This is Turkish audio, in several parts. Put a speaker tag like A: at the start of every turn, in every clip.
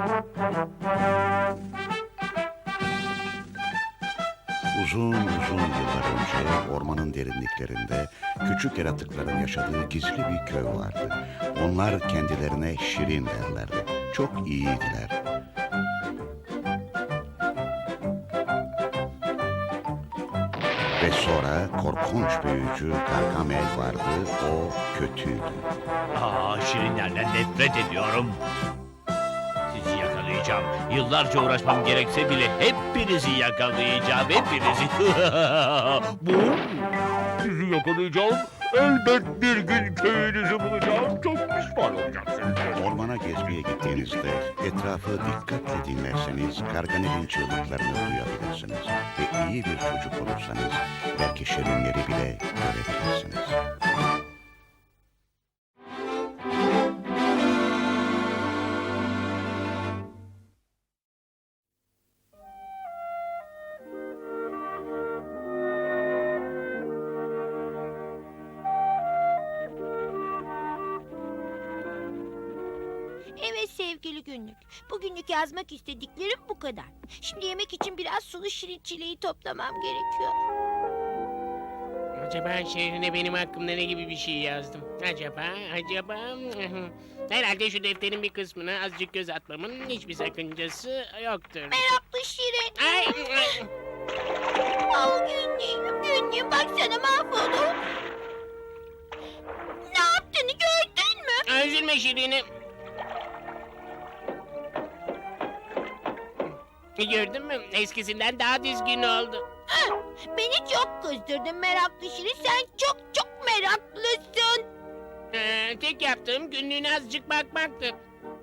A: Uzun uzun yıllar önce ormanın derinliklerinde küçük yaratıkların yaşadığı gizli bir köy vardı. Onlar kendilerine Şirin derlerdi. Çok iyiydiler. Ve sonra korkunç büyücü Gargamel vardı. O kötüydü.
B: Şirinlerden nefret ediyorum. Sizi yakalayacağım. Yıllarca uğraşmam gerekse bile hepinizi yakalayacağım. Hepinizi. Bu? Sizi yakalayacağım. Elbet bir gün köyünüzü bulacağım. Çok pişman olacaksınız.
A: Ormana gezmeye gittiğinizde etrafı dikkatle dinlerseniz Gargamel'in çığlıklarını duyabilirsiniz. Ve iyi bir çocuk olursanız belki şirinleri bile görebilirsiniz.
C: Evet sevgili günlük. Bugünlük yazmak istediklerim bu kadar. Şimdi yemek için biraz sulu şirin çileği toplamam gerekiyor.
D: Acaba şehrine benim hakkımda ne gibi bir şey yazdım? Acaba? Herhalde şu defterin bir kısmına azıcık göz atmamın hiçbir sakıncası yoktur.
C: Meraklı şirin.
D: Ay!
C: Al günlüğüm baksana mahvoldum. Ne yaptığını gördün mü?
D: Üzülme Şirin'im. Gördün mü? Eskisinden daha düzgün oldu.
C: Beni çok kızdırdın meraklı şirin. Sen çok meraklısın.
D: Tek yaptığım günlüğüne azıcık bakmaktı.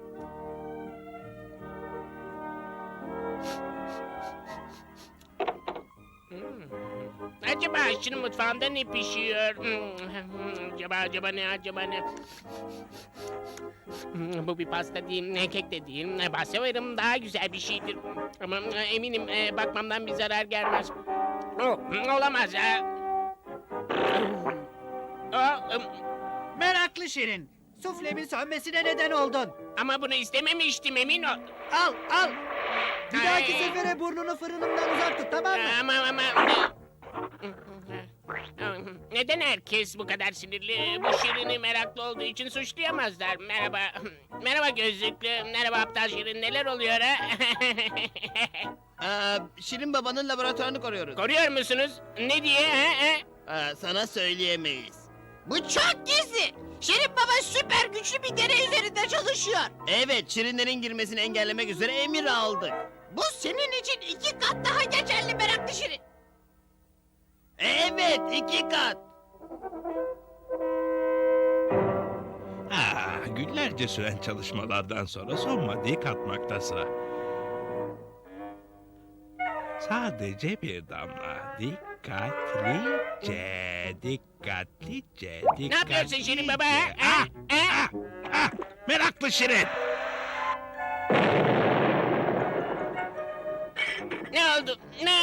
D: Acaba aşçının mutfağında ne pişiyor? Acaba ne? Bu bir pasta değil, kek de değil. Bahseverim daha güzel bir şeydir. Ama eminim bakmamdan bir zarar gelmez. Olamaz ha.
E: Meraklı Şirin. Suflemin sönmesine neden oldun.
D: Ama bunu istememiştim, emin ol.
E: Al. Bir dahaki
D: Ay.
E: sefere burnunu fırınımdan uzak tut, tamam mı?
D: Ama... Neden herkes bu kadar sinirli? Bu Şirin'i meraklı olduğu için suçlayamazlar. Merhaba. Merhaba gözlüklü. Merhaba aptal Şirin. Neler oluyor ha?
F: Şirin babanın laboratuvarını koruyoruz.
D: Koruyor musunuz? Ne diye?
F: Sana söyleyemeyiz.
G: Bu çok gizli. Şirin Baba süper güçlü bir deney üzerinde çalışıyor.
F: Evet, Şirinlerin girmesini engellemek üzere emir aldık.
G: Bu senin için 2 kat daha geçerli meraklı Şirin.
F: Evet, 2 kat.
H: Günlerce süren çalışmalardan sonra son maddeyi katmakta sıra. Sadece bir damla. Dikkatlice.
D: Ne yapıyorsun Şirin Baba?
H: Meraklı Şirin!
D: Ne oldu?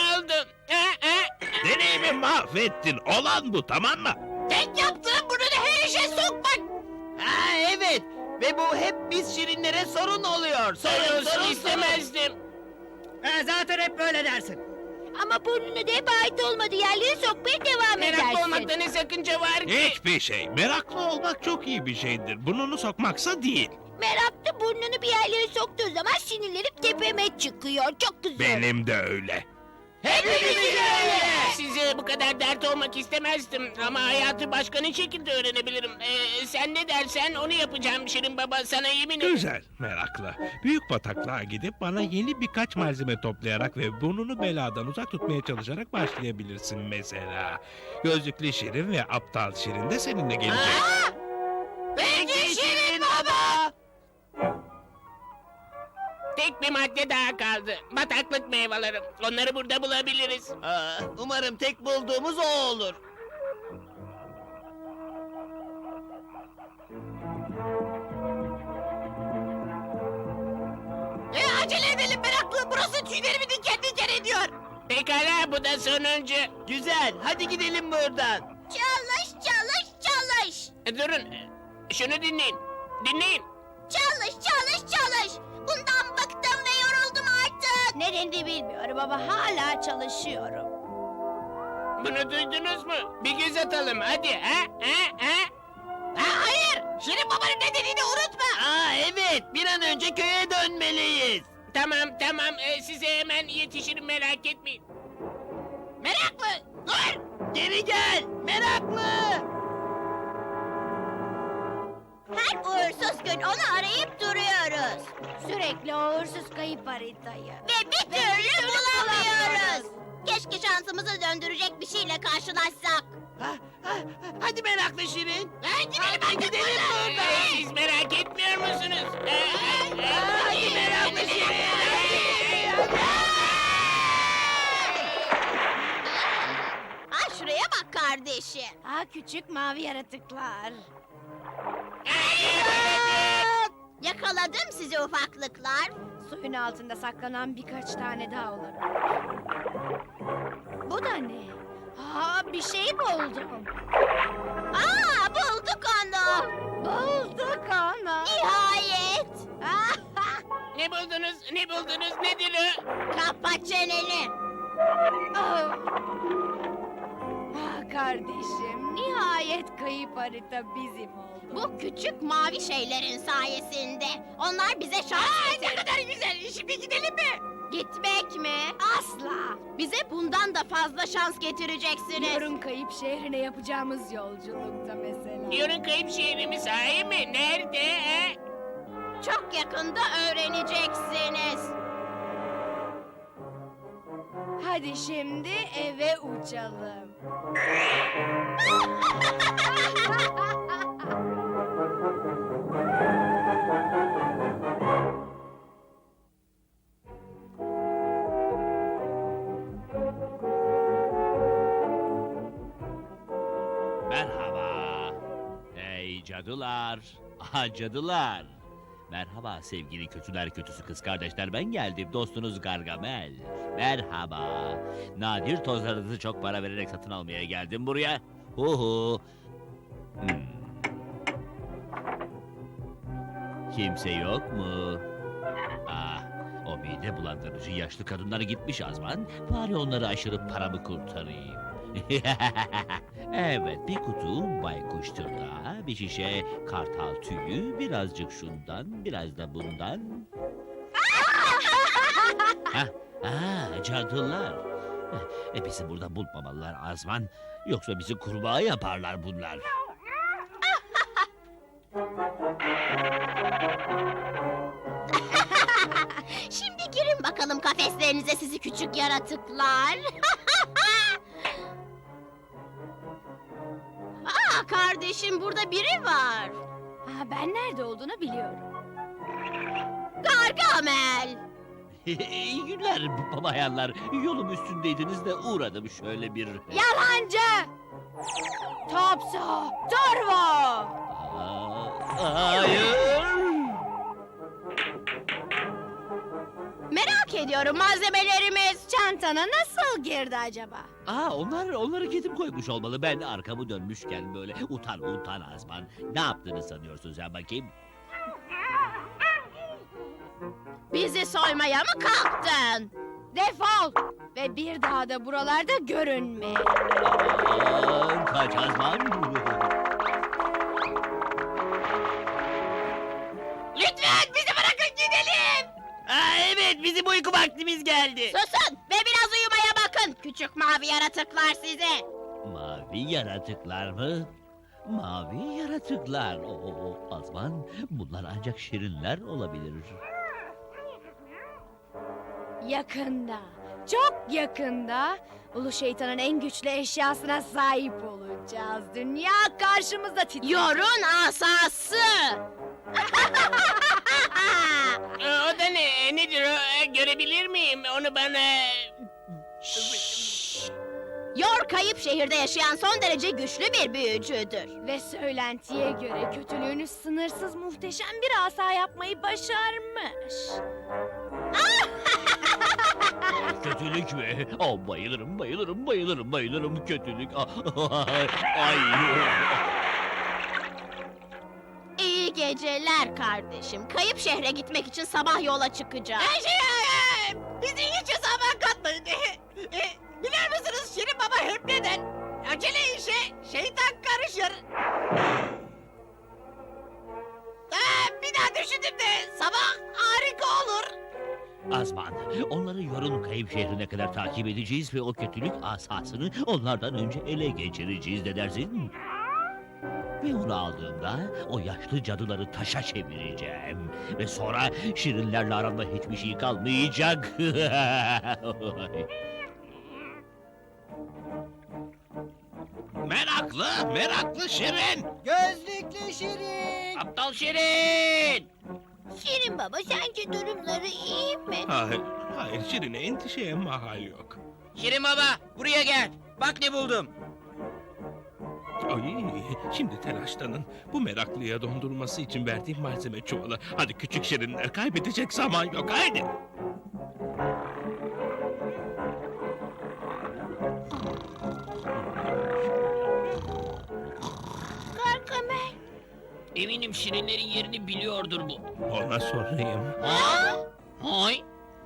H: Deneyimi mahvettin. Olan bu, tamam mı?
G: Tek yaptığım bunu da her işe sokmak.
F: Evet. Ve bu hep biz Şirinlere sorun oluyor. Sorun.
D: istemezdim.
E: Zaten hep böyle dersin.
C: Ama burnunu da hep ait olmadığı yerlere sokmaya devam
D: Meraklı
C: edersin.
D: olmakta ne sakınca var ki?
H: Hiçbir şey. Meraklı olmak çok iyi bir şeydir. Burnunu sokmaksa değil.
C: Meraklı burnunu bir yerlere soktuğu zaman sinirlerim tepeme çıkıyor. Çok kızıyorum.
H: Benim de öyle.
D: Hepimiz öyle. Size bu kadar dert olmak istemezdim ama hayatı başka ne şekilde öğrenebilirim? Sen ne dersen onu yapacağım Şirin Baba, sana yemin ederim.
H: Güzel, merakla. Büyük bataklığa gidip bana yeni birkaç malzeme toplayarak ve burnunu beladan uzak tutmaya çalışarak başlayabilirsin mesela. Gözlüklü Şirin ve aptal Şirin de seninle gelecek.
G: Peki Şirin Baba.
D: Tek bir madde daha kaldı. Bataklık meyveleri. Onları burada bulabiliriz.
F: Umarım tek bulduğumuz o olur.
G: Acele edelim meraklı. Burası tüylerimi diken ediyor.
D: Pekala, bu da sonuncu.
F: Güzel, hadi gidelim buradan.
C: Çalış.
D: Durun, şunu dinleyin. Dinleyin.
C: Çalış. Bundan şimdi bilmiyorum ama hala çalışıyorum.
D: Bunu duydunuz mu? Bir göz atalım hadi.
G: Hayır. Şirin babanın ne dediğini unutma.
F: Aa evet, bir an önce köye dönmeliyiz.
D: Tamam. Size hemen yetişirim, merak etmeyin.
G: Meraklı. Dur.
F: Geri gel, meraklı.
C: Her uğursuz gün onu arayıp duruyoruz. Sürekli o uğursuz kayıp haritayı. Ve bir türlü bulamıyoruz. Keşke şansımızı döndürecek bir şeyle karşılaşsak.
F: Hadi meraklı Şirin.
G: Gidelim
F: Gidelim buradan.
D: Siz merak etmiyor musunuz?
F: Hadi meraklı Şirin.
C: Ha şuraya bak kardeşim. Ha küçük mavi yaratıklar. Yakaladım sizi ufaklıklar. Suyun altında saklanan birkaç tane daha olur. Bu da ne? Ha bir şey buldum. Aa bulduk onu. Bulduk onu. Nihayet.
D: Ne buldunuz? Nedir o?
C: Kapa çeneni. Ah kardeşim, nihayet kayıp harita bizim oldu. Bu küçük mavi şeylerin sayesinde. Onlar bize şans
G: Ne kadar güzel. Şimdi gidelim mi?
C: Gitmek mi? Asla. Bize bundan da fazla şans getireceksiniz. Yarın kayıp şehrine yapacağımız yolculukta mesela.
D: Diyorun kayıp şehrimiz sahi mi? Nerede?
C: Çok yakında öğreneceksiniz. Hadi şimdi eve uçalım.
B: Merhaba. Ey cadılar. Aha cadılar. Merhaba sevgili kötüler kötüsü kız kardeşler, ben geldim, dostunuz Gargamel. Merhaba. Nadir tozlarınızı çok para vererek satın almaya geldim buraya. Huhu. Kimse yok mu? Ah, o mide bulandırıcı yaşlı kadınlar gitmiş Azman. Bari onları aşırıp paramı kurtarayım. Evet, bir kutu baykuş tırnağı, bir şişe kartal tüyü, birazcık şundan, biraz da bundan. Cadılar. Bizi burada bulmamalılar Azman. Yoksa bizi kurbağa yaparlar bunlar.
C: Şimdi girin bakalım kafeslerinize sizi küçük yaratıklar. Aa kardeşim, burada biri var. Ha, ben nerede olduğunu biliyorum. Gargamel.
B: İyi günler babayanlar. Yolum üstündeydiniz de uğradım şöyle bir...
C: Yalancı. Topso. Turbo.
B: Hayır.
C: Merak ediyorum, malzemelerimiz çantana nasıl girdi acaba?
B: Onları kedim koymuş olmalı. Ben arkamı dönmüşken böyle utan Azman. Ne yaptığını sanıyorsun sen bakayım?
C: Bizi soymaya mı kalktın? Defol ve bir daha da buralarda görünme.
B: Kaç Azman.
G: Lütfen bizi bırakın gidelim.
F: Evet, bizim uyku vaktimiz geldi.
C: Susun ve biraz uyumaya bakın küçük mavi yaratıklar size.
B: Mavi yaratıklar mı? Mavi yaratıklar. Azman, bunlar ancak şirinler olabilir.
C: Yakında, çok yakında Ulu Şeytan'ın en güçlü eşyasına sahip olacağız. Dünya karşımızda titriyor. Yorun asası.
D: O da ne? Nedir o? Görebilir miyim? Onu bana...
C: Yor kayıp şehirde yaşayan son derece güçlü bir büyücüdür. Ve söylentiye göre kötülüğünü sınırsız muhteşem bir asa yapmayı başarmış.
B: Kötülük mü? Bayılırım kötülük. Ay.
C: İyi geceler kardeşim. Kayıp şehre gitmek için sabah yola çıkacağız.
G: Bizi hiç Biliyor musunuz Şirin Baba hep neden? Acele işe şeytan karışır. Bir daha düşündüm de sabah harika olur.
B: Azman, onları Yorun Kayıp şehrine kadar takip edeceğiz ve o kötülük asasını onlardan önce ele geçireceğiz, ne dersin? Ve onu aldığımda o yaşlı cadıları taşa çevireceğim. Ve sonra şirinlerle aramda hiçbir şey kalmayacak.
H: Meraklı Şirin.
E: Gözlüklü Şirin.
D: Aptal Şirin!
C: Şirin Baba sence durumları iyi mi?
H: Hayır Şirin'e endişeye mahal yok.
F: Şirin Baba, buraya gel. Bak ne buldum.
H: Ay, şimdi telaşlanın. Bu meraklıya dondurması için verdiğim malzeme çuvalı. Hadi küçük Şirinler, kaybedecek zaman yok, haydi.
C: Gargamel.
D: Eminim Şirinlerin yerini biliyordur bu.
H: Ona sorayım.
D: Hay!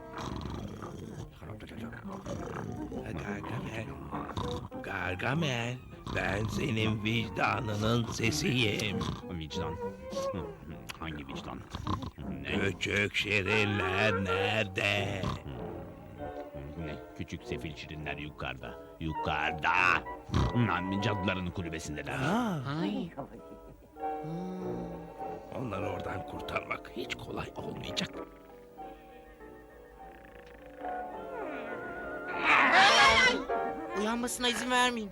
H: Gargamel, ben senin vicdanının sesiyim.
B: Vicdan. Hangi vicdan?
H: Küçük Şirinler nerede?
B: Ne? Küçük sefil şirinler yukarıda. Yukarıda. Cadıların kulübesindeler.
D: Ay!
H: Onları oradan kurtarmak hiç kolay olmayacak.
F: Uyanmasına izin vermeyin.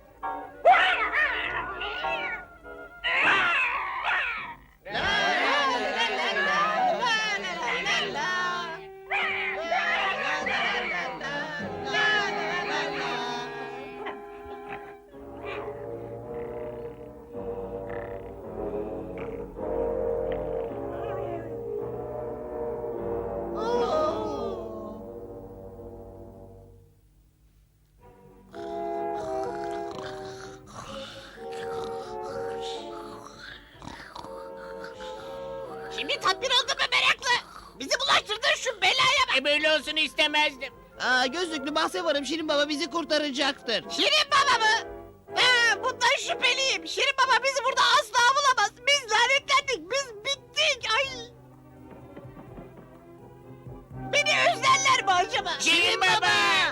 G: Şimdi tatmin oldun mu meraklı? Bizi bulaştırdın şu belaya bak.
D: Böyle olsun istemezdim.
F: Gözlüklü bahse varım, Şirin Baba bizi kurtaracaktır.
G: Şirin Baba mı? Bundan şüpheliyim. Şirin Baba bizi burada asla bulamaz. Biz lanetlendik. Biz bittik. Ay. Beni özlerler mi acaba?
D: Şirin Baba!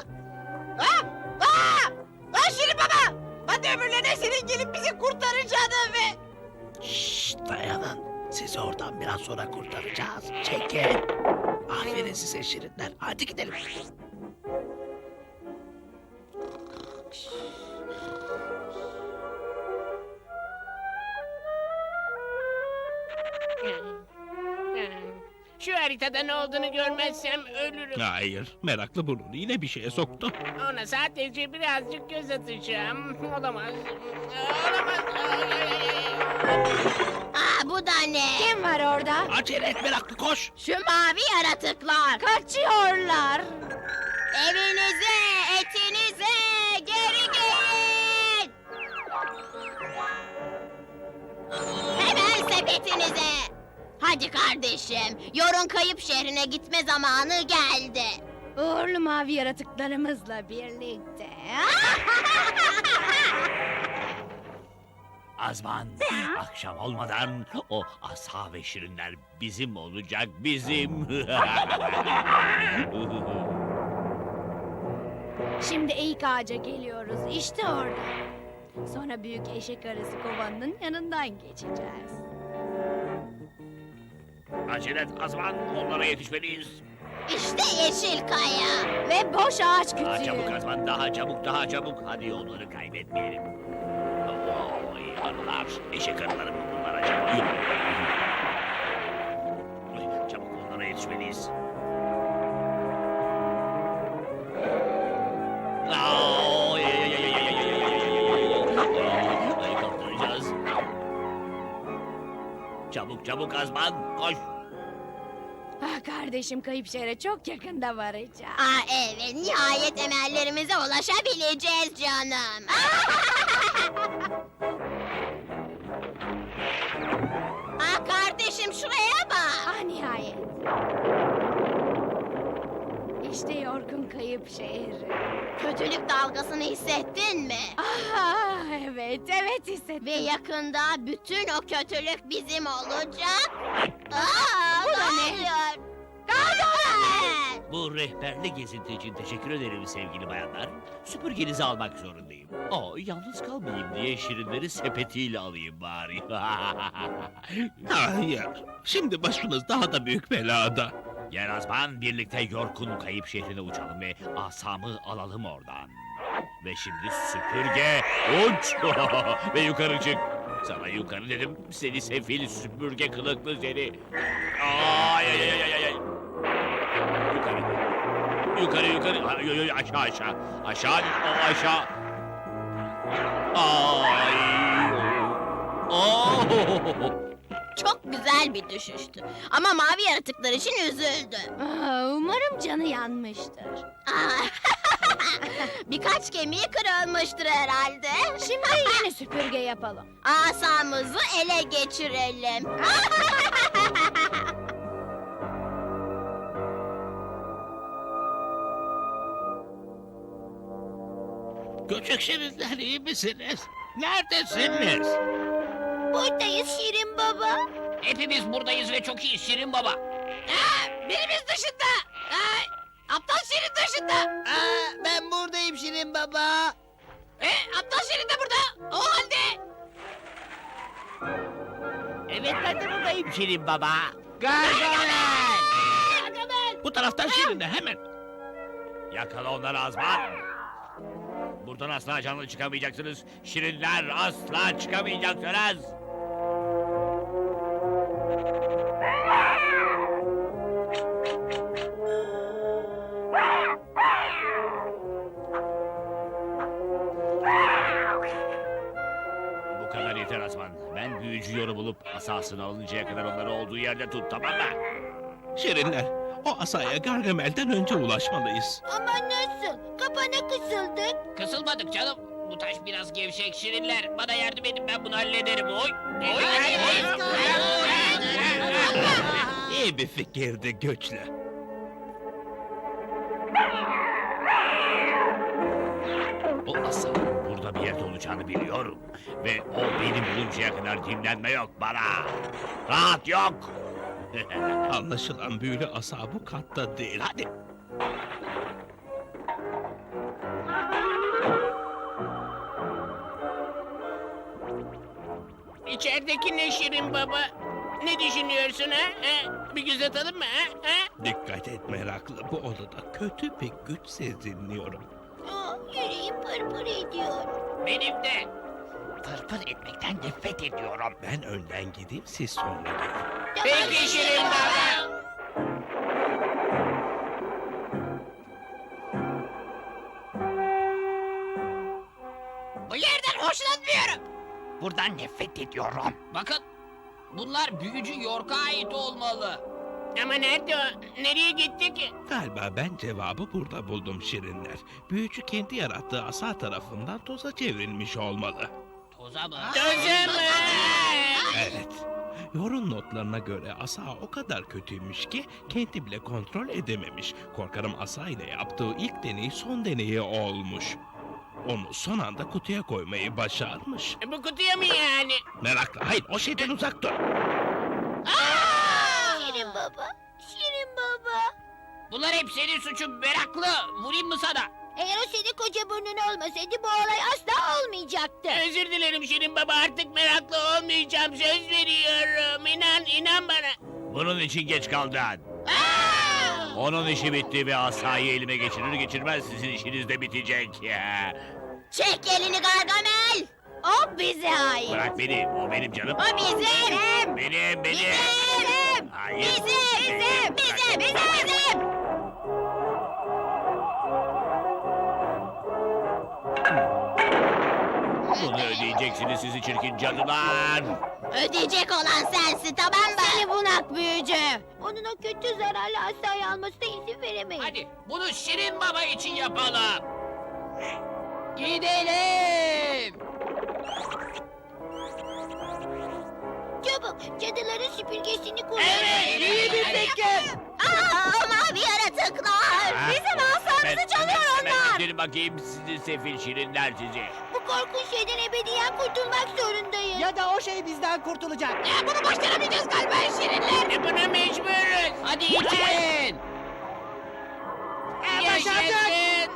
G: Şirin Baba! Hadi öbürlerine senin gelip bizi kurtaracağını ve...
H: Şşt, dayanın. Sizi oradan biraz sonra kurtaracağız. Çekin. Aferin size Şirinler. Hadi gidelim.
D: Şu haritada ne olduğunu görmezsem ölürüm.
H: Hayır, meraklı burnunu yine bir şeye soktu.
D: Ona sadece birazcık göz atacağım. Olamaz. Olamaz.
C: Bu da ne?
G: Kim var orada?
H: Acele et meraklı, koş.
C: Şu mavi yaratıklar.
G: Kaçıyorlar.
C: Evinize, etinize geri gelin. Hemen sepetinize. Hadi kardeşim, Yorun Kayıp şehrine gitme zamanı geldi.
G: Uğurlu mavi yaratıklarımızla birlikte.
B: Azman, akşam olmadan o asa ve şirinler bizim olacak, bizim.
G: Şimdi eğik ağaca geliyoruz. İşte orada. Sonra büyük eşek arısı kovanının yanından geçeceğiz.
B: Acele et Azman, onlara yetişmeliyiz.
C: İşte yeşil kaya.
G: Ve boş ağaç
B: Daha
G: kütüğü.
B: çabuk Azman, daha çabuk, daha çabuk. Hadi onları kaybetmeyelim. Oy, arılar, eşek arıları mı bunlar acaba? Ay, çabuk onlara yetişmeliyiz. Ay, ay, ay, ay, ay, ay, ay, ay, ay, ay, kaptıracağız. Çabuk çabuk Azman, koş.
G: Kardeşim kayıp şehre çok yakında varacağız.
C: Evet, nihayet emellerimize ulaşabileceğiz canım. Kardeşim şuraya bak.
G: Nihayet.
C: İşte York'un kayıp şehri.
I: Kötülük dalgasını hissettin mi?
C: Ah, evet hissettim.
I: Ve yakında bütün o kötülük bizim olacak.
C: Bu da ne?
I: oluyor?
B: Bu rehberli gezinti için teşekkür ederim sevgili bayanlar. Süpürgenizi almak zorundayım. Yalnız kalmayayım diye şirinleri sepetiyle alayım bari.
H: Hayır. Şimdi başınız daha da büyük belada.
B: Yarazman birlikte York'un kayıp şehrine uçalım ve asamı alalım oradan. Ve şimdi süpürge uç ve yukarı çık. Sana yukarı dedim seni sefil süpürge kılıklı seni. Ay ay ay ay ay. Yukarı. Yukarı. Ay, aşağı. Aşağı. Aşağı. Ay.
I: Çok güzel bir düşüştü. Ama mavi yaratıklar için üzüldü.
C: Umarım canı yanmıştır.
I: Birkaç kemiği kırılmıştır herhalde.
C: Şimdi yine süpürge yapalım.
I: Asamızı ele geçirelim.
H: Küçük şirinler iyi misiniz? Neredesiniz?
I: Buradayız Şirin Baba.
D: Hepimiz buradayız ve çok iyi Şirin Baba.
G: Birimiz dışında. Aptal Şirin dışında.
F: Ben buradayım Şirin Baba.
G: Aptal Şirin de burada. O halde.
B: Evet ben de buradayım Şirin Baba.
F: Gargamel.
H: Bu taraftan şirinler hemen.
B: Yakala onları Azman. Buradan asla canlı çıkamayacaksınız. Şirinler asla çıkamayacaksınız. Bu kadar yeter Azman. Ben büyücü yoru bulup asasını alıncaya kadar onları olduğu yerde tut, tamam mı?
H: Şirinler, o asaya Gargamel'den önce ulaşmalıyız.
I: Ama nasıl? Kapana kısıldık.
D: Kısılmadık canım. Bu taş biraz gevşek Şirinler. Bana yardım edin, ben bunu hallederim. Oy.
H: İyi bir fikirdi güçlü.
B: O asanın burada bir yerde olacağını biliyorum. Ve o beni buluncaya kadar dinlenme yok bana. Rahat yok.
H: Anlaşılan büyülü asa bu katta değil. Hadi.
D: İçerideki ne Şirin Baba? Ne düşünüyorsun ha? Bir göz atalım mı ha?
H: Dikkat et meraklı. Bu odada kötü bir güç seziniyorum.
I: Yüreğim pırpır ediyor.
D: Benim de.
B: Pırpır etmekten nefret ediyorum.
H: Ben önden gideyim, siz sonra gelin.
D: Peki Şirin Baba.
G: Bu yerden hoşlanmıyorum.
B: Buradan nefret ediyorum.
D: Bakın. Bunlar büyücü York'a ait olmalı. Ama nerede o? Nereye gitti ki?
H: Galiba ben cevabı burada buldum şirinler. Büyücü kendi yarattığı asa tarafından toza çevrilmiş olmalı.
D: Toza mı? Toza mı?
H: Evet. Yorun notlarına göre asa o kadar kötüymüş ki kendi bile kontrol edememiş. Korkarım asa ile yaptığı ilk deney son deneyi olmuş. Onu son anda kutuya koymayı başarmış.
D: Bu kutuya mı yani?
H: Meraklı, hayır o şeyden uzak dur.
I: Şirin Baba. Şirin Baba.
D: Bunlar hep senin suçun meraklı. Vurayım mı sana?
I: Eğer o senin koca burnun olmasaydı bu olay asla olmayacaktı.
D: Özür dilerim Şirin Baba, artık meraklı olmayacağım. Söz veriyorum. İnan bana.
B: Bunun için geç kaldın. Onun işi bitti ve asayı elime geçirir geçirmez sizin işiniz de bitecek.
I: Çek elini Gargamel. O bize ait.
B: Bırak beni, o benim canım.
I: O bizim.
B: Benim.
I: Bizim.
B: Hayır.
I: Bizim.
B: Bunu ödeyeceksiniz sizi çirkin cadılar.
I: Ödeyecek olan sensin, tamam mı? Seni bunak büyücü. Onun o kötü zararlı asayı almasına izin veremeyiz.
D: Hadi bunu Şirin Baba için yapalım.
G: Gidelim.
I: Çabuk cadıların süpürgesini kullan.
D: Evet, iyi bir
G: fikir.
I: Aa, mavi yaratıklar. Bizi
B: Gelin bakayım sizi sefil şirinler sizi.
I: Bu korkunç şeyden ebediyen kurtulmak zorundayız.
E: Ya da o şey bizden kurtulacak.
G: Bunu başaramayacağız galiba şirinler.
D: Buna mecburuz.
F: Hadi için.
G: Başardık.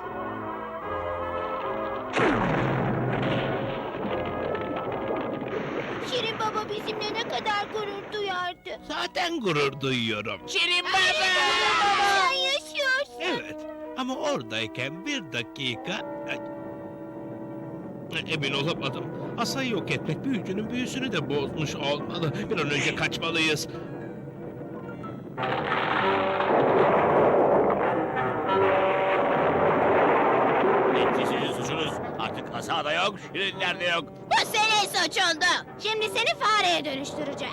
I: Şirin Baba bizimle ne kadar gurur duyardı.
H: Zaten gurur duyuyorum.
D: Şirin baba.
I: Sen yaşıyorsun.
H: Evet ama oradayken bir dakika... Ay. Emin olamadım. Asayı yok etmek büyücünün büyüsünü de bozmuş olmalı. Bir an önce kaçmalıyız.
B: Bitti sizin suçunuz. Artık asa da yok, şirinler de yok.
C: Bu senin suçundu.
I: Şimdi seni fareye dönüştüreceğiz.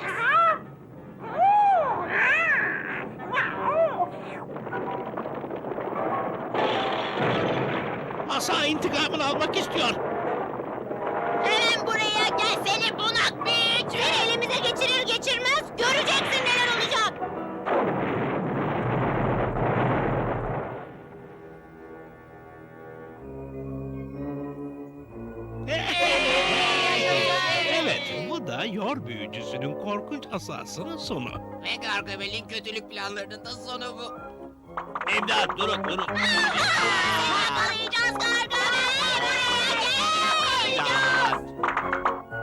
H: Asa intikamını almak istiyor.
C: Hemen buraya gel seni bunak büyücü.
I: Seni elimize geçirir geçirmez göreceksin neler olacak.
H: Evet, bu da yor büyücüsünün korkunç asasının sonu.
F: Ve Gargamel'in kötülük planlarının da sonu bu.
B: İmdat durun durun.
C: Yakalayacağız Gargamel. Buraya gel.
B: İmdat.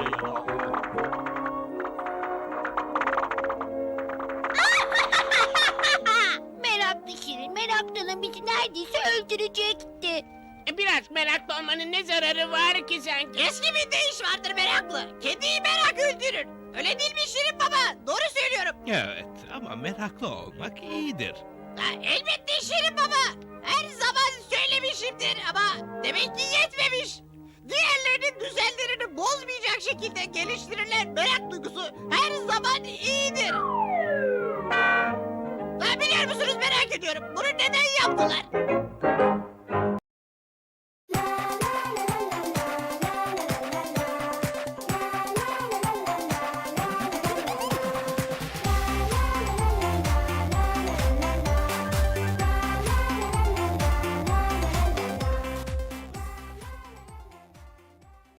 I: Meraklı Şirin, meraklının bizi neredeyse öldürecekti.
D: Biraz meraklı olmanın ne zararı var ki sanki?
G: Eski bir deyiş vardır meraklı. Kediyi merak öldürür. Öyle değil mi Şirin Baba? Doğru söylüyorum.
H: Evet ama meraklı olmak iyidir.
G: Elbette Şirin Baba. Her zaman söylemişimdir ama demek ki yetmemiş. Diğerlerinin düzenlerini bozmayacak şekilde geliştirilen merak duygusu her zaman iyidir. Biliyor musunuz merak ediyorum. Bunu neden yaptılar?